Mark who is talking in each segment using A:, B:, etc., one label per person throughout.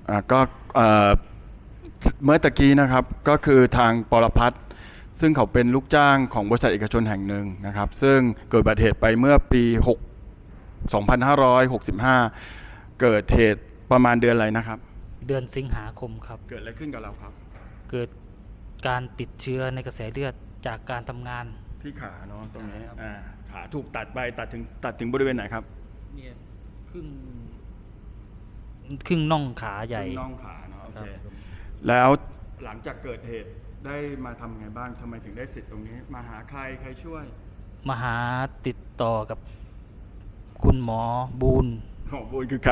A: ก็เอ่อเมื่อตะกี้นะครับก็คือทางปรพัฒน์ซึ่งเขาเป็นลูกจ้างของบริษัทเอกชนแห่งหนึ่งนะครับซึ่งเกิดอุบัติเหตุไปเมื่อปี2565 เกิดเหตุประมาณเดือนอะไรนะครับ
B: เดือนสิงหาคมครับ
A: เกิดอะไรขึ้นกับเราครับ
B: เกิดการติดเชื้อในกระแสเลือดจากการทำงาน
A: ที่ขาเนาะตรงนี้
B: ครับ
A: ขาถูกตัดไปตัดถึงบริเวณไหนครับ
B: เนี่ยครึ่งน่องขาใหญ่
A: น่องขาเนาะโอ
B: ครั
A: เค
B: บ
A: แล้วหลังจากเกิดเหตุได้มาทำไงบ้างทำไมถึงได้สิทธิ์ตรงนี้มาหาใครช่วย
B: มาหาติดต่อกับคุณหมอบูน
A: หมอบุญคือใคร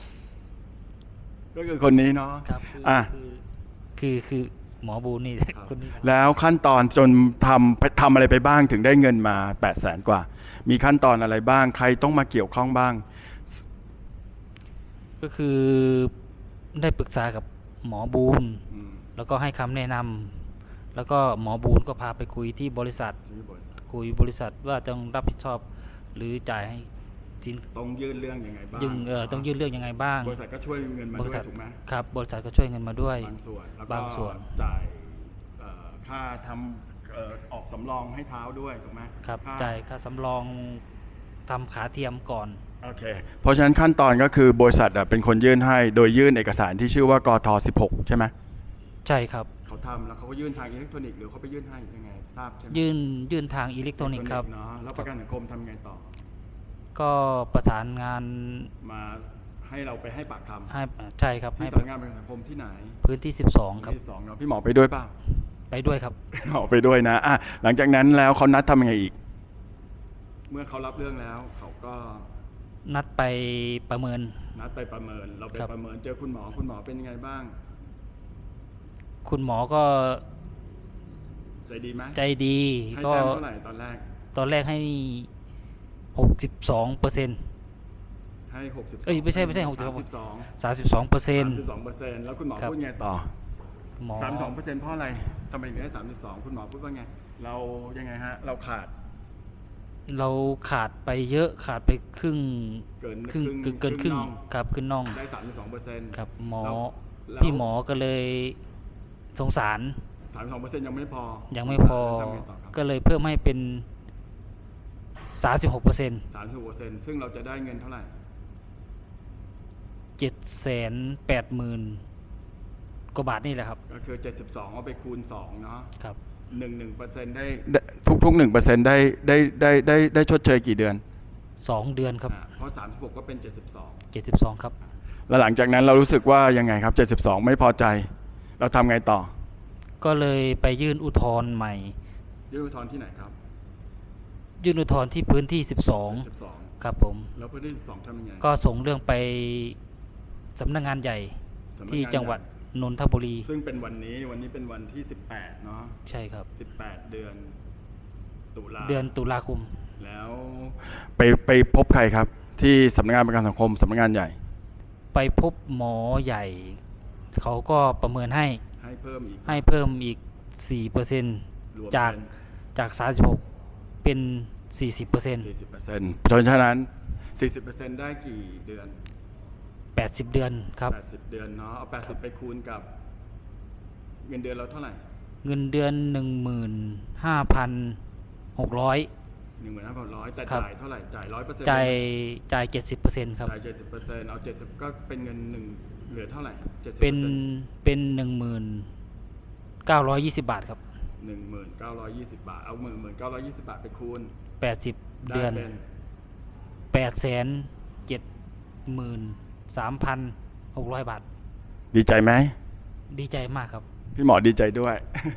A: ก็คือคนนี้เนาะ
B: ครับคือหมอบูนนี่คนนี้ครับ
A: แล้วขั้นตอนจนทำอะไรไปบ้างถึงได้เงินมา 800,000 กว่า มีขั้นตอนอะไรบ้างใครต้องมาเกี่ยวข้องบ้าง
B: ก็คือได้ปรึกษากับหมอบูนแล้วก็ให้คำแนะนำแล้วก็หมอบูนก็พาไปคุยที่บริษัทว่าต้องรับผิดชอบหรือจ่ายให้สิน
A: ต้องยื่นเรื่องยังไงบ้าง
B: ต้องยื่นเรื่องยังไงบ้าง
A: บริษัทก็ช่วยเงินมา
B: บ
A: ด้
B: ริ
A: ว
B: ษั
A: ย
B: ท
A: ถูกไหม
B: ครับบริษัทก็ช่วยเงินมาด้วย
A: บางส่วนแล้วก็
B: บางส่วน
A: จ่ายค่าทำออกสำรองให้เท้าด้วยถูกไหม
B: ครับจ่ายค่าสำรองทำขาเทียมก่อน
A: โอเคเพราะฉะนั้นขั้นตอนก็คือบริษัทเป็นคนยื่นให้โดยยื่นเอกสารที่ชื่อว่ากท16ใช่ไหม
B: ใช่ครับ
A: เขาทำแล้วเขาก็ยื่นทางอิเล็กทรอนิกส์หรือเขาไปยื่นให้ยังไงทราบใช่ไหม
B: ยื่นทางอิเล็กทรอนิกส์ครับ
A: เนาะแล้วประกันสังคมทำไงต่อ
B: ก็ประสานงาน
A: มาให้เราไปให้ปากคำ
B: ให้ใช่ครับ
A: ที่
B: ให้
A: สำนักงานประกันสังคมที่ไหน
B: พื้นที่12ครับ
A: ที่12เนาะพี่หมอไปด้วยเปล่า
B: ไปด้วยครับ
A: หมอไปด้วยนะหลังจากนั้นแล้วเขานัดทำยังไงอีก เมื่อเขารับเรื่องแล้วเขาก็
B: นัดไปประเมิน
A: นัดไปประเมินเราไป
B: ครับ
A: ประเมินเจอคุณหมอเป็นยังไงบ้าง
B: คุณหมอก็
A: ใจดีไหม
B: ใจดี
A: ให้
B: ก็
A: แต้มเท่าไหร่ตอนแรก
B: ให้62%
A: ให้62
B: เอ้ยไม่ใช่62 32%
A: 32%แล้วคุณหมอ
B: ครับ
A: พูดไงต่อ
B: หมอ
A: 32%เพราะอะไรทำไมถึงได้32คุณหมอพูดว่าไงเรายังไงฮะเราขาด
B: เราขาดไปเยอะขาดไปครึ่ง
A: เกิน
B: ครึ่ง
A: ครึ่ง
B: ครึ่ง
A: น่อง
B: ครับขึ้นน่อง
A: ได้ 32%
B: ครับหมอ
A: แล้ว
B: พี่หมอก็เลยสงสาร
A: 32%ยังไม่พอ
B: ยังไม่พอ
A: แล้วทำไงต่อครับ
B: ก็เลยเพิ่มให้เป็น 36%
A: 36%ซึ่งเราจะได้เงินเท่าไหร่
B: 780,000 กว่าบาทนี่แหละครับ
A: ก็คือ72เอาไปคูณ2เนาะ
B: ครับ
A: 1% ได้ทุก 1% ได้ชดเชยกี่เดือน
B: 2 เดือนครับ
A: เพราะ36ก็เป็น72
B: 72ครับ
A: แล้วหลังจากนั้นเรารู้สึกว่ายังไงครับ72ไม่พอใจ เราทำไงต่อ
B: ก็เลยไปยื่นอุทธรณ์ใหม่
A: ยื่นอุทธรณ์ที่ไหนครับ
B: ยื่นอุทธรณ์ที่พื้นที่
A: 12
B: 12ครับผม
A: แล้วพื้นที่12ทำยังไง
B: ก็ส่งเรื่องไปสำนักงานใหญ่
A: สำนักงาน
B: ที่จังหวัดนนทบุรี
A: ซึ่งเป็นวันนี้เป็นวันที่18เนาะ
B: ใช่ครับ
A: 18 เดือนตุลา
B: เดือนตุลาคม
A: แล้วไปพบใครครับ ที่สำนักงานประกันสังคมสำนักงานใหญ่
B: ไปพบหมอใหญ่ เขาก็ประเมินให้
A: ให้เพิ่มอีก
B: 4%
A: รวม
B: จาก
A: เป็น
B: จาก 36 เป็น 40%
A: 40%เพราะฉะนั้น 40% ได้กี่เดือน
B: 80 เดือนครับ
A: 80 เดือนเนาะเอา80ไปคูณกับเงินเดือนเราเท่าไหร่
B: เงินเดือน 15,600
A: 15,100แต่
B: ครับ
A: จ่ายเท่าไหร่จ่าย 100%
B: จ่าย 70% ครับ
A: จ่าย 70%เอา70ก็เป็นเงินเหลือเท่าไหร่ 70%
B: เป็น 19,20 บาทครับ
A: 1920 บาทเอา1920 บาทไปคูณ
B: 80
A: ได้
B: เดือน
A: เป็น
B: 873,600 บาท
A: ดีใจไหม
B: ดีใจมากครับ
A: พี่หมอดีใจด้วย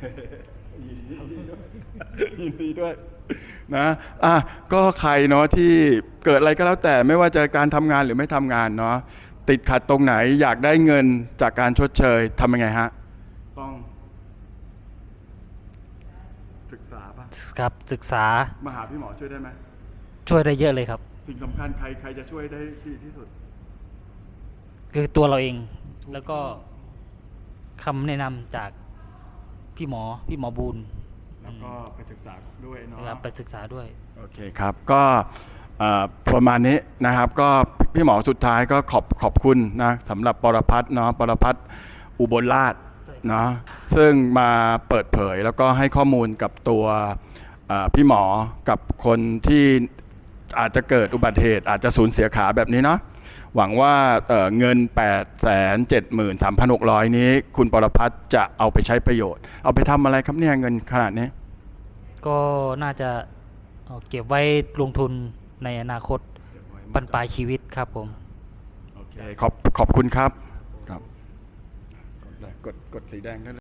A: ยินดีด้วยนะก็ใครเนาะที่เกิดอะไรก็แล้วแต่ไม่ว่าจะการทำงานหรือไม่ทำงานเนาะติดขัดตรงไหนอยากได้เงินจากการชดเชยทำยังไงฮะต้องศึกษาป่ะ
B: ครับศึกษา
A: มาหาพี่หมอช่วยได้ไหม
B: ช่วยได้เยอะเลยครับ
A: สิ่งสำคัญใครจะช่วยได้ดีที่สุด
B: คือตัวเราเอง
A: ถูก
B: แล้วก็คำแนะนำจากพี่หมอบูน
A: แล้วก็ไปศึกษาด้วยเนาะ
B: นะครับไปศึกษาด้วย
A: โอเคครับก็ประมาณนี้นะครับก็พี่หมอสุดท้ายก็ขอบคุณนะสำหรับปรพัฒน์เนาะปรพัฒน์อุบลราชเนาะซึ่งมาเปิดเผยแล้วก็ให้ข้อมูลกับตัวพี่หมอกับคนที่อาจจะเกิดอุบัติเหตุอาจจะสูญเสียขาแบบนี้เนาะหวังว่าเงิน 873,600 นี้คุณปรพัฒน์จะเอาไปใช้ประโยชน์เอาไปทำอะไรครับเนี่ยเงินขนาดนี้
B: ก็น่าจะเก็บไว้ลงทุนในอนาคตบรรปลายชีวิตครับผม
A: โอเคขอบคุณครับกดสีแดงได้เลย